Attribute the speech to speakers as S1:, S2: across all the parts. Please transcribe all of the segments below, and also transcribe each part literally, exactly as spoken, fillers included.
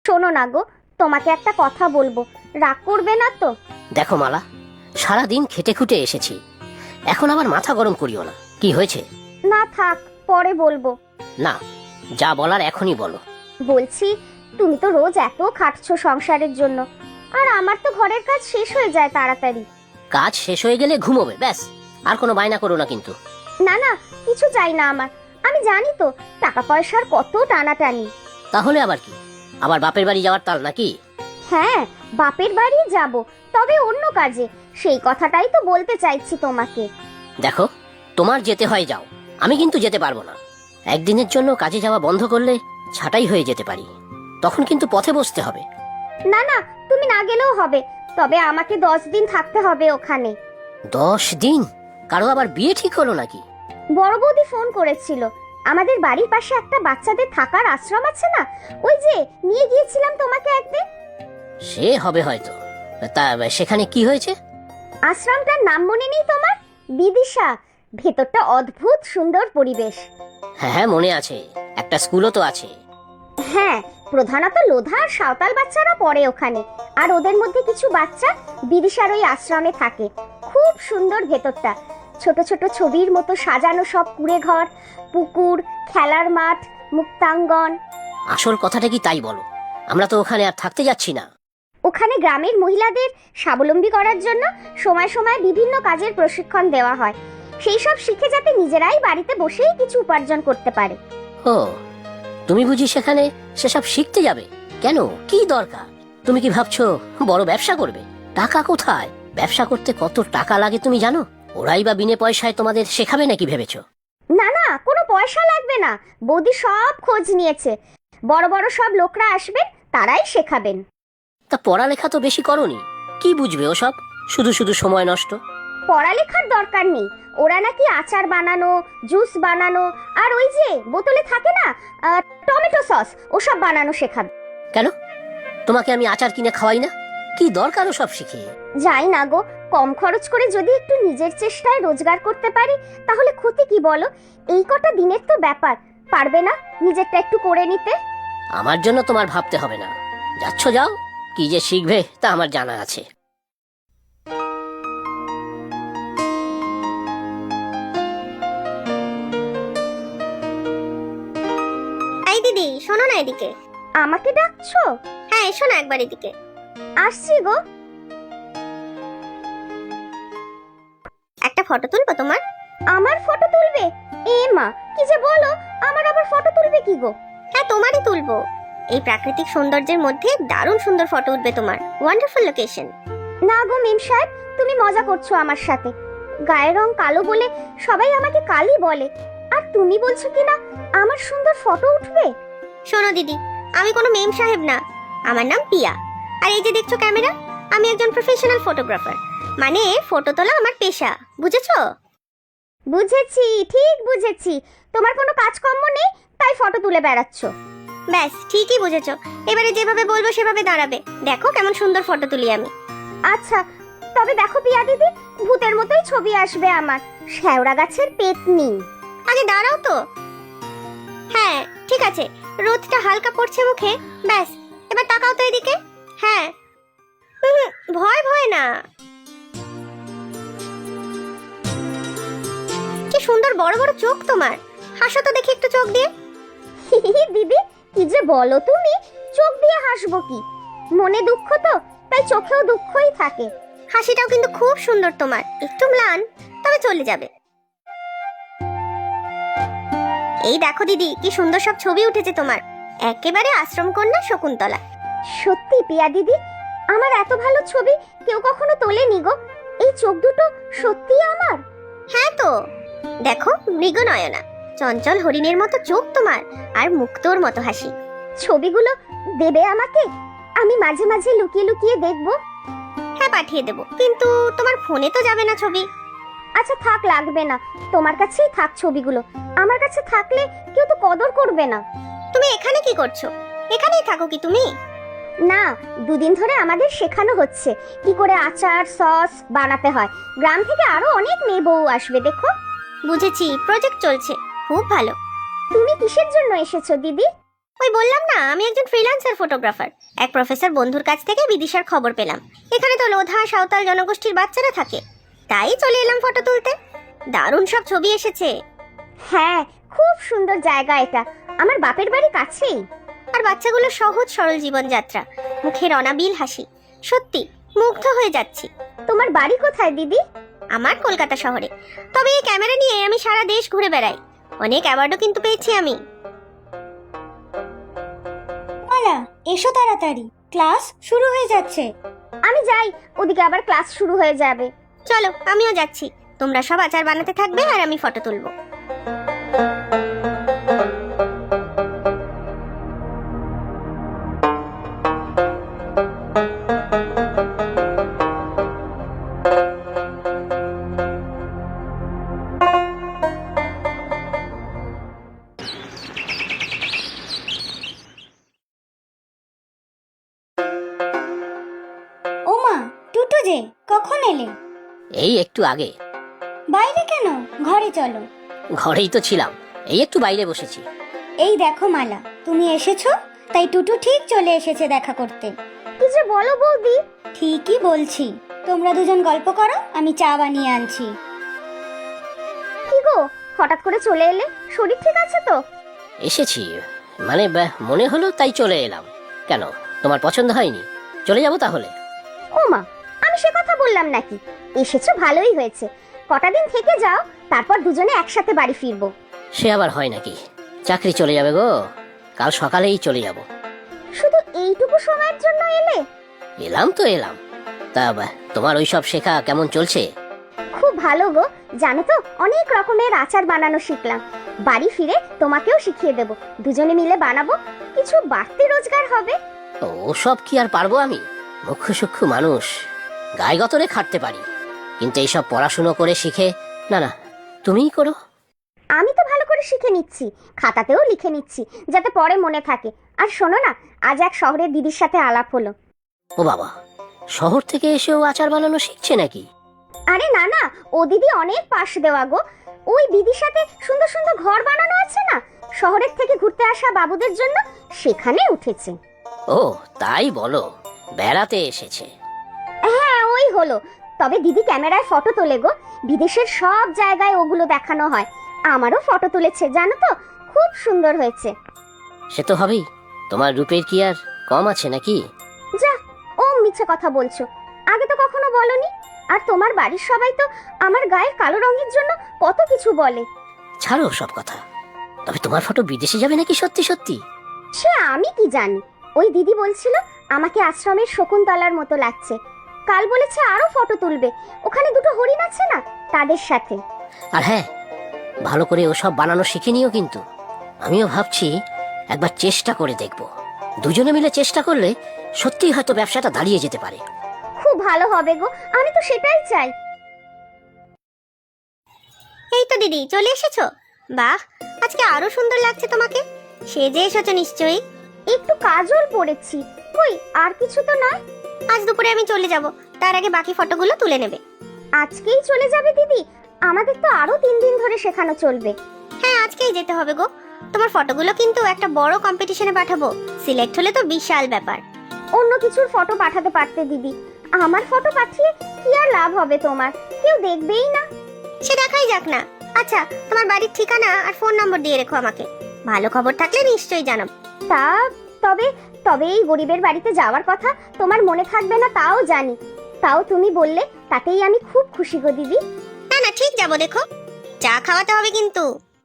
S1: শোনো না গো, তোমাকে একটা কথা বলবো, রাগ করবে না তো?
S2: দেখো মালা, সারাদিন খেটে খুটে এসেছি, এখন আবার মাথা গরম করিও না। কি হয়েছে?
S1: না থাক, পরে বলবো।
S2: না, যা বলার এখনই বলো।
S1: বলছি, তুমি তো রোজ এত খাটছো সংসারের জন্য, আর আমার তো ঘরের কাজ শেষ হয়ে যায় তাড়াতাড়ি।
S2: কাজ শেষ হয়ে গেলে ঘুমোবে, ব্যাস। আর কোনো বায়না করো না কিন্তু।
S1: না না, কিছু চাই না আমার। আমি জানি তো টাকা পয়সার কত টানাটানি।
S2: তাহলে আবার কি, আবার বাপের বাড়ি যাওয়ার তাল নাকি?
S1: হ্যাঁ, বাপের বাড়ি যাব, তবে অন্য কাজে। সেই কথাটাই তো বলতে চাইছি তোমাকে।
S2: দেখো, তোমার যেতে হয় যাও, আমি কিন্তু যেতে পারবো না। একদিনের জন্য কাজে যাওয়া বন্ধ করলে ছাঁটাই হয়ে যেতে পারি, তখন কিন্তু পথে বসতে হবে।
S1: না না, তুমি না গেলেও হবে, তবে আমাকে দশ দিন থাকতে হবে ওখানে।
S2: দশ দিন? কারো আবার বিয়ে ঠিক হলো নাকি?
S1: বড় বৌদি ফোন করেছিল। আমাদের বাড়ির পাশে একটা বাচ্চাদের থাকার আশ্রম আছে না, ওই যে নিয়ে গিয়েছিলাম তোমাকে একদিন।
S2: সে হবে হয়তো। তা সেখানে কি হয়েছে?
S1: আশ্রমটার নাম মনে নেই তোমার? বিদিশা। ভেতরটা অদ্ভুত সুন্দর পরিবেশ।
S2: হ্যাঁ হ্যাঁ, মনে আছে, একটা স্কুলও তো আছে।
S1: হ্যাঁ, প্রধানত লোধা আর সাঁওতাল বাচ্চারা পড়ে ওখানে, আর ওদের মধ্যে কিছু বাচ্চা বিদিশার ওই আশ্রমে থাকে। খুব সুন্দর ভেতরটা, ছোট ছোট ছবির মতো সাজানো সব কুঁড়ে ঘর, পুকুর, খেলার মাঠ, মুক্তাঙ্গন।
S2: আসল কথাটা কি তাই বলো, আমরা তো ওখানে আর থাকতে যাচ্ছি না।
S1: ওখানে গ্রামের মহিলাদের স্বাবলম্বী করার জন্য সময় সময় বিভিন্ন কাজের প্রশিক্ষণ দেওয়া হয়, সেই সব শিখে যাতে নিজেরাই বাড়িতে বসেই কিছু উপার্জন করতে পারে।
S2: ও, তুমি বুঝি সেখানে সেসব শিখতে যাবে? কেন, কি দরকার? তুমি কি ভাবছো বড় ব্যবসা করবে? টাকা কোথায়? ব্যবসা করতে কত টাকা লাগে তুমি জানো? ওরাই বা বিনে পয়সায় তোমাদের শেখাবে নাকি ভেবেছো?
S1: না না, কোনো পয়সা লাগবে না। বৌদি সব খোঁজ নিয়েছে, বড় বড় সব লোকরা আসবেন, তারাই শেখাবেন।
S2: তা পড়ালেখা তো বেশি করনি, কি বুঝবে ওসব? শুধু শুধু সময় নষ্ট।
S1: পড়ালেখার দরকার নেই, ওরা নাকি আচার বানানো, জুস বানানো, আর ওই যে বোতলে থাকে না আহ, টমেটো সস, ওসব বানানো শেখাবে।
S2: কেন, তোমাকে আমি আচার কিনে খাওয়াই না? কি দরকার ওসব শিখে?
S1: যাই না গো, কম খরচ করে যদি একটু নিজের চেষ্টায় রোজগার করতে পারি, তাহলে ক্ষতি কি বলো? এই কটা দিনের তো ব্যাপার, পারবে না নিজেরটা একটু করে নিতে?
S2: আমার জন্য তোমার ভাবতে হবে না, যাচ্ছ যাও, কি যে শিখবে তা আমার জানা আছে।
S3: এই দিদি, শোনো না এদিকে।
S1: আমাকে ডাকছো?
S3: হ্যাঁ, এসো না একবার এদিকে।
S1: আসছি গো।
S3: একটা ফটো তুলবো তোমার?
S1: আমার ফটো তুলবে? এ মা, কি যে বলো, আমার আবার ফটো তুলবে কি গো?
S3: হ্যাঁ, তোমারই তুলবো। এই প্রাকৃতিক সৌন্দর্যের মধ্যে দারুণ সুন্দর ফটো উঠবে তোমার। Wonderful location.
S1: না গো মেম সাহেব, তুমি মজা করছো আমার সাথে। গায়ের রং কালো বলে সবাই আমাকে কালি বলে, আর তুমি বলছো কি না আমার সুন্দর ফটো উঠবে?
S3: শোনো দিদি, আমি কোনো মেম সাহেব না, আমার নাম পিয়া। আর এই যে দেখছো ক্যামেরা, আমি একজন প্রফেশনাল ফটোগ্রাফার, মানে ফটো তোলা আমার পেশা, বুঝেছো?
S1: বুঝেছি, ঠিক বুঝেছি। তোমার কোনো কাজকর্ম নেই, তাই ফটো তুলে বেড়াচ্ছ।
S3: ব্যাস, ঠিকই বুঝেছো। এবারে যেভাবে বলবো সেভাবে দাঁড়াবে। দেখো কেমন সুন্দর ফটো তুলি আমি।
S1: আচ্ছা, তবে দেখো পিয়া দিদি, ভূতের মতোই ছবি আসবে আমার, শেওড়া গাছের পেতনি।
S3: আগে দাঁড়াও তো। হ্যাঁ, ঠিক আছে, রোদটা হালকা পড়ছে মুখে। ব্যাস, এবার তাকাও তো এদিকে। হ্যাঁ, হুম, ভয় ভয় না। কি সুন্দর বড় বড় চোখ তোমার, হাসো তো দেখি একটু চোখ দিয়ে।
S1: দিদি, কি যে বলো তুমি, চোখ দিয়ে হাসবো কি? মনে দুঃখ তো, তাই চোখেও দুঃখই থাকে।
S3: হাসিটাও কিন্তু খুব সুন্দর তোমার, একটু ম্লান, তবে চলে যাবে। এই দেখো দিদি, কি সুন্দর সব ছবি উঠেছে তোমার, একেবারে আশ্রম কন্যা শকুন্তলা।
S1: সত্যি পিয়া দিদি, আমার এত ভালো ছবি কেউ কখনো তোলেনি গো। এই চোখ দুটো সত্যি আমার?
S3: হ্যাঁ তো, দেখো মৃগনয়না, চঞ্চল হরিণের মতো চোখ তোমার, আর মুক্তোর মতো হাসি।
S1: ছবিগুলো দেবে আমাকে, আমি মাঝে মাঝে লুকিয়ে লুকিয়ে দেখবো।
S3: হ্যাঁ, পাঠিয়ে দেবো, কিন্তু তোমার ফোনে তো যাবে না ছবি।
S1: আচ্ছা থাক, লাগবে না, তোমার কাছেই থাক ছবিগুলো। আমার কাছে থাকলে কেউ তো কদর করবে না।
S3: তুমি এখানে কি করছো? এখানেই থাকো কি তুমি?
S1: না, দুদিন ধরে আমাদের শেখানো হচ্ছে কি করে আচার সস বানাতে হয়। গ্রাম থেকে আরো অনেক মেয়ে বউ আসবে, দেখো।
S3: বুঝেছি, প্রজেক্ট চলছে, খুব ভালো।
S1: তুমি কিসের জন্য এসেছো দিদি?
S3: ওই বললাম না, আমি একজন ফ্রিল্যান্সার ফটোগ্রাফার। এক প্রফেসর বন্ধুর কাছ থেকে বিদিশার খবর পেলাম এখানে তো লোধা সাঁওতাল জনগোষ্ঠীর বাচ্চারা থাকে, তাই চলে এলাম ফটো তুলতে। দারুণ সব ছবি এসেছে।
S1: হ্যাঁ, খুব সুন্দর জায়গা এটা, আমার বাপের বাড়ি কাছেই।
S3: আর বাচ্চাগুলো সহজ সরল জীবনযাত্রা, মুখের অনাবিল হাসি, সত্যি মুগ্ধ হয়ে যাচ্ছি।
S1: তোমার বাড়ি কোথায় দিদি?
S3: আমার কলকাতা শহরে, তবে এই ক্যামেরা নিয়ে আমি সারা দেশ ঘুরে বেড়াই। অনেক অ্যাওয়ার্ডও কিন্তু পেয়েছি আমি।
S4: মালা, এসো তাড়াতাড়ি, ক্লাস শুরু হয়ে যাচ্ছে।
S1: আমি যাই, ওদিকে আবার ক্লাস শুরু হয়ে যাবে।
S3: চলো আমিও যাচ্ছি, তোমরা সব আচার বানাতে থাকবে আর আমি ফটো তুলবো।
S4: ও মা, টুটু যে, কখন এলে?
S2: এই একটু আগে।
S4: বাইরে কেন? ঘরে চলো।
S2: ঘরেই তো ছিলাম, এই একটু বাইরে বসেছি।
S4: এই দেখো মালা, তুমি এসেছো, তাই টুটু ঠিক চলে এসেছে দেখা করতে।
S1: কি যে বলো বৌদি!
S4: ঠিকই বলছি, তোমরা দুজন গল্প করো, আমি চা বানিয়ে আনছি।
S1: কি গো, হঠাৎ করে চলে এলে? শরীর ঠিক আছে তো?
S2: এসেছি মানে ব্যাহ, মনে হলো তাই চলে এলাম। কেন, তোমার পছন্দ হয়নি? চলে যাব তাহলে?
S1: ও মা, আমি সে কথা বললাম নাকি। এসেছো ভালোই হয়েছে, কটা দিন থেকে যাও, তারপর দুজনে একসাথে বাড়ি ফিরবো।
S2: সে আবার হয় নাকি? চাকরি চলে যাবে গো, কাল সকালেই চলে যাব।
S1: শুধু এইটুকু সময়ের জন্য এলে?
S2: এলাম তো এলাম, তা ব্যাহ, তোমার ওই সব শেখা কেমন চলছে?
S1: খুব ভালো গো, জানো তো অনেক রকমের আচার বানানো শিখলাম। বাড়ি ফিরে তোমাকেও শিখিয়ে দেব, দুজনে মিলে বানাবো, কিছু বাড়তি রোজগার হবে।
S2: ও সব কি আর পারবো আমি? মুখ্য সূক্ষ্ম মানুষ, গায়ে গতরে খাটতে পারি, কিন্তু এইসব পড়াশুনো করে শিখে না না, তুমিই করো।
S1: আমি তো ভালো করে শিখে নিচ্ছি, খাতাতেও লিখে নিচ্ছি, যাতে পরে মনে থাকে। আর শোনো না, আজ এক শহরের দিদির সাথে আলাপ হলো।
S2: ও বাবা, শহর থেকে এসেও আচার বানানো শিখছে নাকি?
S1: আরে না না, ও দিদি অনেক পাশ দেওয়া গো। ওই দিদির সাথে সুন্দর সুন্দর ঘর বানানো আছে না, শহরের থেকে ঘুরতে আসা বাবুদের জন্য, সেখানে উঠেছে।
S2: ও তাই বলো, বেড়াতে এসেছে?
S1: হ্যাঁ ওই হলো। তবে দিদি ক্যামেরায় ফটো তোলে গো, বিদেশের সব জায়গায় ওগুলো দেখানো হয়। আমারও ফটো তুলেছে জানো তো, খুব সুন্দর হয়েছে।
S2: সে তো হবেই, তোমার রূপের কি আর কম আছে নাকি?
S1: যা, ও মিছে কথা বলছো, আগে তো কখনো বলনি। আর তোমার বাড়ির সবাই তো আমার গায়ের কালো রঙের জন্য কত কিছু বলে।
S2: ছাড়ো সব কথা, তবে তোমার ফটো বিদেশে যাবে নাকি সত্যি সত্যি?
S1: সে আমি কি জানি, ওই দিদি বলছিল আমাকে আশ্রমের শকুন্তলার মতো লাগছে। কাল বলেছে আরো ফটো তুলবে, ওখানে দুটো হরিণ আছে না, তাদের সাথে।
S2: আর হ্যাঁ, ভালো করে ওসব বানানো শিখে নিও কিন্তু। আমিও ভাবছি একবার চেষ্টা করে দেখব, দুজনে মিলে চেষ্টা করলে সত্যিই হয়তো ব্যবসাটা দাঁড়িয়ে যেতে পারে।
S1: খুব ভালো হবে গো, আমি তো সেটাই চাই।
S3: এই তো দিদি চলে এসেছো, বাহ আজকে আরো সুন্দর লাগছে তোমাকে। সেজে এসেছো নিশ্চয়ই।
S1: একটু কাজল পড়েছি, কই আর কিছু তো নয়।
S3: আজ দুপুরে আমি চলে যাব, তার আগে বাকি ফটোগুলো তুলে নেবে।
S1: আজকেই চলে যাবে দিদি? আমাদের তো আরো তিন দিন ধরে শেখানো চলবে।
S3: হ্যাঁ আজকেই যেতে হবে গো, তোমার ফটোগুলো কিন্তু একটা বড় কম্পিটিশনে পাঠাবো, সিলেক্ট হলে তো বিশাল ব্যাপার।
S1: অন্য কিছুর ফটো পাঠাতে পারতে দিদি, আমার ফটো পাঠিয়ে কি আর লাভ হবে তোমার, কেউ দেখবেই না।
S3: সে দেখাই যাক না। আচ্ছা তোমার বাড়ির ঠিকানা আর ফোন নম্বর দিয়ে রেখো আমাকে, ভালো খবর থাকলে নিশ্চয়ই জানাবো।
S1: তা তবে তবে এই গরিবের বাড়িতে যাওয়ার কথা তোমার মনে থাকবে না তাও জানি, তাও তুমি বললে তাতেই আমি খুব খুশি গো দিদি।
S3: না না ঠিক যাবো, দেখো চা খাওয়াতে হবে কিন্তু।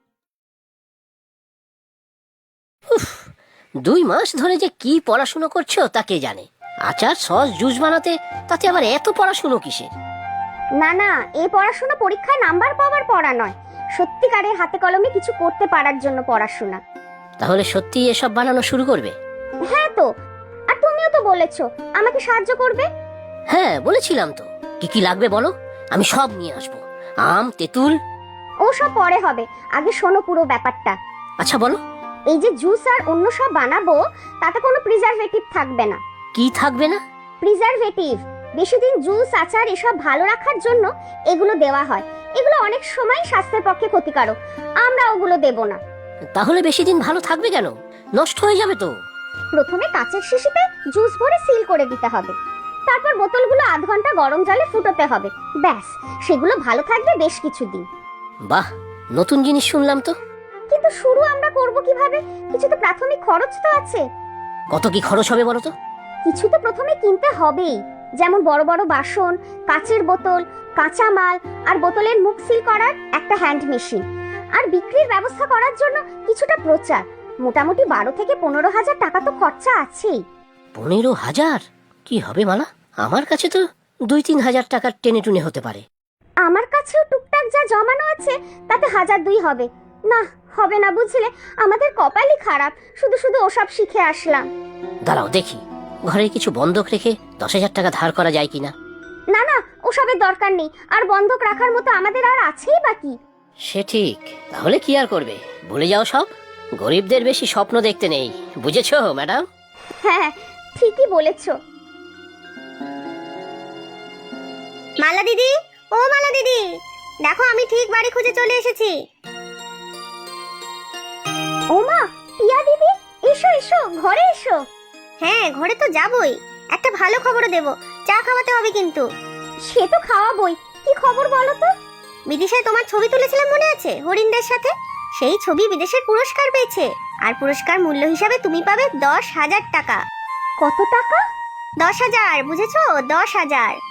S2: উফ, দুই মাস ধরে যে কি পড়াশুনো করছো তা কে জানে। আচার সস জুস বানাতে, তাতে আবার এত পড়াশুনো কিসের?
S1: না না, এই পড়াশোনা পরীক্ষায় নাম্বার পাওয়ার পড়া নয়, সত্যিকারের হাতে কলমে কিছু করতে পারার জন্য পড়াশোনা।
S2: তাহলে সত্যি এসব বানানো শুরু করবে?
S1: হ্যাঁ তো, আর তুমিও তো বলেছো আমাকে সাহায্য করবে।
S2: হ্যাঁ বলেছিলাম তো, কি কি লাগবে বলো, আমি সব নিয়ে আসবো। আম, তেঁতুল।
S1: ও সব পরে হবে, আগে শোনো পুরো ব্যাপারটা।
S2: আচ্ছা বলো।
S1: এই যে জুস আর অন্য সব বানাবো, তাতে কোনো প্রিজারভেটিভ থাকবে না।
S2: কি থাকবে না?
S1: প্রিজারভেটিভ, বেশি দিন জুস আচার এসব ভালো রাখার জন্য এগুলো দেওয়া হয়। এগুলো অনেক সময় স্বাস্থ্যের পক্ষে ক্ষতিকারক, আমরা ওগুলো দেব না।
S2: তাহলে বেশি দিন ভালো থাকবে কেন? নষ্ট হয়ে যাবে তো।
S1: প্রথমে কাচের শিশিতে জুস ভরে সিল করে দিতে হবে, তারপর বোতলগুলো আধ ঘন্টা গরম জলে ফুটোতে হবে। ব্যাস, সেগুলো ভালো থাকবে বেশ কিছুদিন।
S2: বাহ, নতুন জিনিস শুনলাম তো।
S1: কিন্তু শুরু আমরা করব কিভাবে? কিছু তো প্রাথমিক খরচ তো আছে।
S2: কত কি খরচ হবে বলো তো?
S1: কিছু তো প্রথমে কিনতে হবেই, যেমন বড় বড় বাসন, কাচের বোতল, কাঁচা মাল আর বোতলের মুখ সিল করার একটা হ্যান্ড মেশিন, আর বিক্রির ব্যবস্থা করার জন্য কিছুটা প্রচার। মোটামুটি বারো থেকে পনেরো হাজার টাকা তো খরচা আছেই।
S2: পনেরো হাজার কি হবে মালা? আমার কাছে তো দুই তিন হাজার টাকার টেনে টুনে হতে পারে।
S1: আমার কাছেও টুকটাক যা জমানো আছে তাতে হাজার দুই হবে। না, হবে না বুঝলে, আমাদের কপালই খারাপ, শুধু শুধু ওসব শিখে আসলাম।
S2: দাঁড়াও দেখি, ঘরে কিছু বন্ধক রেখে দশ হাজার টাকা ধার করা যায় কিনা।
S1: না না, ওসবের দরকার নেই, আর বন্ধক রাখার মতো আমাদের আর আছেই বাকি।
S2: সে ঠিক, তাহলে কি আর করবে, ভুলে যাও সব। গরিবদের বেশি স্বপ্ন দেখতে নেই, বুঝেছো ম্যাডাম?
S1: হ্যাঁ, ঠিকই বলেছো।
S3: মালা দিদি, ও মালা দিদি, দেখো আমি ঠিক বাড়ি খুঁজে চলে এসেছি।
S1: ওমা, পিয়া দিদি, এসো এসো, ঘরে এসো।
S3: হ্যাঁ, ঘরে তো যাবই, একটা ভালো খবরও দেব, চা খাওয়াতে হবে কিন্তু।
S1: সে তো খাওয়াবই, কি খবর বলো তো?
S3: বিদেশে তোমার ছবি তুলেছিলাম মনে আছে, হরিণদের সাথে? সেই ছবি বিদেশের পুরস্কার পেয়েছে, আর পুরস্কার মূল্য হিসাবে তুমি পাবে দশ হাজার টাকা।
S1: কত টাকা?
S3: দশ হাজার, বুঝেছো? দশ হাজার।